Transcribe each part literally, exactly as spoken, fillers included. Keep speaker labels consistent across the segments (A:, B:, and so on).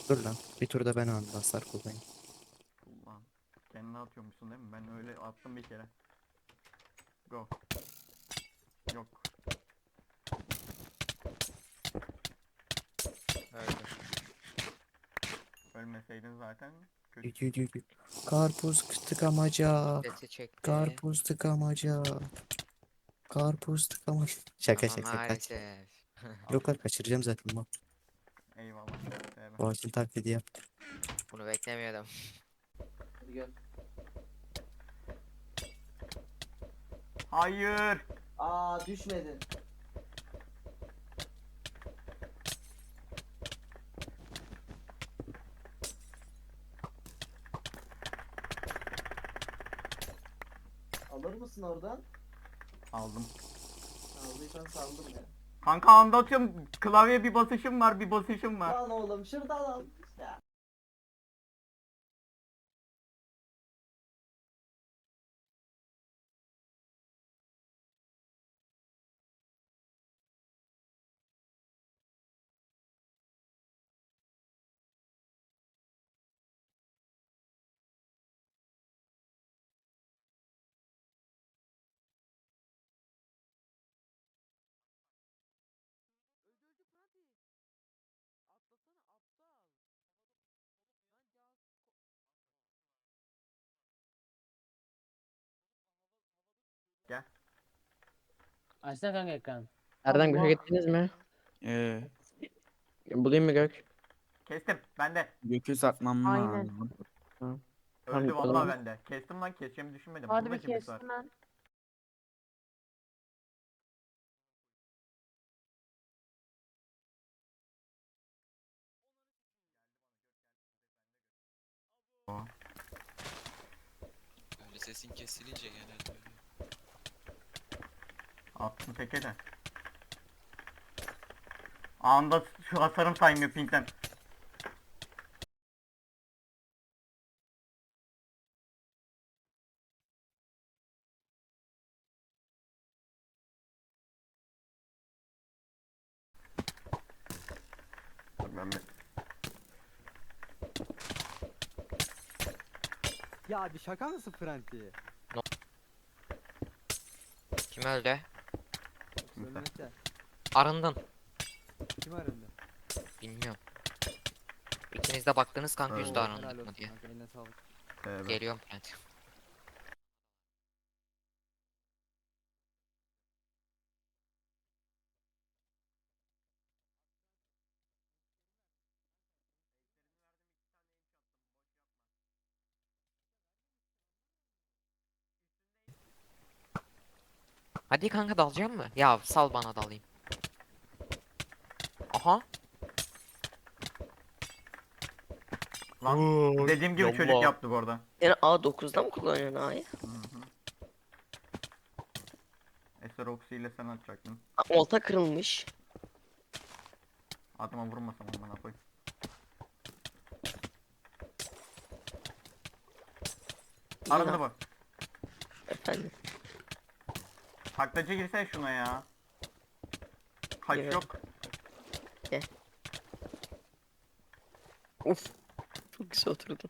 A: Dur lan. Bir turda ben anda hasar kullanayım.
B: Ulan. Kendine atıyormuşsun değil mi? Ben öyle attım bir kere. Go. Yok.
C: Öldür.
B: Ölmeseydin zaten
A: Yü-
B: kötüsün.
A: yü- yü- yü. Karpuz tıkamaca.
C: Sesi çekti.
A: Karpuz tıkamaca. Karpuz tıkamaca. Şaka
C: Ama
A: şaka kaç.
C: maalesef.
B: Al.
A: Yok lan kaçıracağım zaten bu.
B: Eyvallah. Tövbe.
A: Boğaçın taklidi yap.
C: Bunu beklemiyordum.
D: Hadi gel.
B: Hayır.
D: Aa düşmedin. Alır mısın oradan?
B: Aldım.
D: Aldıysan saldım ya.
B: Kanka anda atıyorum. Klavyeye bir basışım var, bir basışım var.
D: Lan oğlum şuradan al. Ya.
B: Gel.
E: Açsana kanka ekran.
F: Erdem Gök'e
E: Allah.
F: gittiniz mi?
G: Ee,
F: Bulayım mı Gök?
B: Kestim. Bende.
G: Gökü saklanma
H: Aynen.
G: lazım.
F: Hı.
B: Öldü
F: Tamam, o
B: vallahi
F: zaman.
B: bende. Kestim lan, keseceğimi düşünmedim.
H: Hadi
B: Burada
H: bir
B: kimlik var.
H: kestim ben.
B: O.
I: Öyle sesin kesilince genelde öyle.
B: Attım teke de. Anda şu hasarım saymıyor pinkten. Dur ben bir...
J: Ya bir şaka mısın Franti?
C: Kim öldü?
B: Kimse.
J: Ölmese.
C: Arındın.
J: Kim arındı?
C: Bilmiyorum. İkiniz de baktınız kanka
B: Evet.
C: yüzde
J: Helal
C: arındık mı
J: olsun
C: diye.
J: kanka, eline sağlık.
B: Tövbe.
C: Geliyorum Brent. Hadi kanka dalacağım mı? Ya sal bana dalayım. Aha.
B: Lan dediğim gibi çocuk
F: yallah.
B: yaptık orada.
F: Yani A dokuzda mı kullanıyorsun A'yı?
B: Hı hı. Eser Oxy ile sen atacaktın.
F: Olta kırılmış.
B: Adıma vurmasam amına koy.
F: İyi
B: Arındı
F: lan.
B: bak.
F: Efendim.
B: Taklacı girsene şuna ya. Kaç
F: Evet.
B: yok.
F: Uf. Çok güzel oturdun.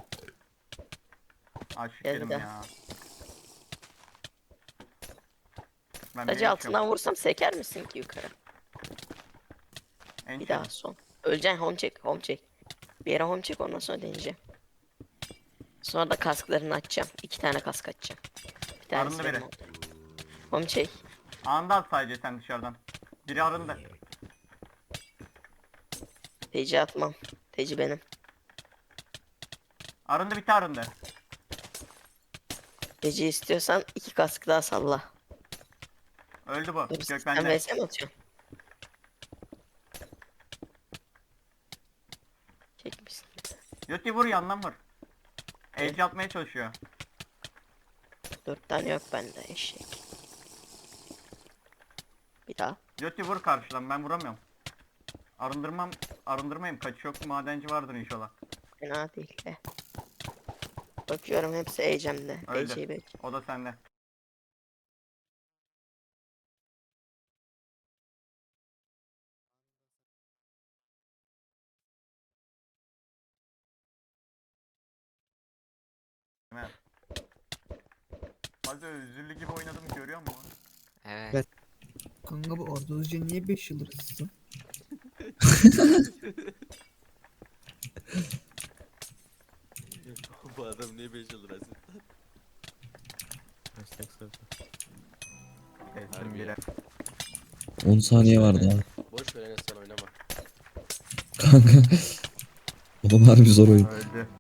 B: Aşık
F: Gel
B: yerim
F: bir
B: ya. Ben bir
F: Sadece
B: el
F: altından vursam seker misin ki yukarı?
B: En
F: Bir
B: şey-
F: daha son. Öleceksin home check home check. Bir yere home check ondan sonra deneyeceğim. Sonra da kasklarını açacağım. İki tane kask açacağım. Bir tanesi
B: Arındı
F: benim
B: biri.
F: oldu. Home check.
B: Anında at sadece sen dışarıdan. Biri arındı.
F: Teci atmam. Teci benim.
B: Arındı bir tane arındı.
F: Teci istiyorsan iki kask daha salla.
B: Öldü bu.
F: Dur,
B: Gök
F: sen
B: bende.
F: vs mi atıyorsun? Çekmişsin.
B: Yoti vur yandan vur. Edge atmaya çalışıyor.
F: Dört tane yok bende eşek. Bir daha.
B: Yoti vur karşıdan, ben vuramıyorum. Arındırmam, arındırmayayım. Kaç yok, madenci vardır inşallah.
F: Fena değil de. Bakıyorum hepsi Ecem'de.
B: Öldü.
F: Ece'yi bek.
B: O da sende. Hadi özürlü gibi oynadım görüyor musun?
C: Evet.
A: Evet.
H: Kanka bu Arda Özcan niye beş yıl ıssın?
I: Bu adam niye beş yıl razı?
B: Kesin bile.
K: on saniye var daha.
I: Boş ver Enes sen oynama.
K: Kanka. Oğlum harbi zor oyun.
B: Öldü.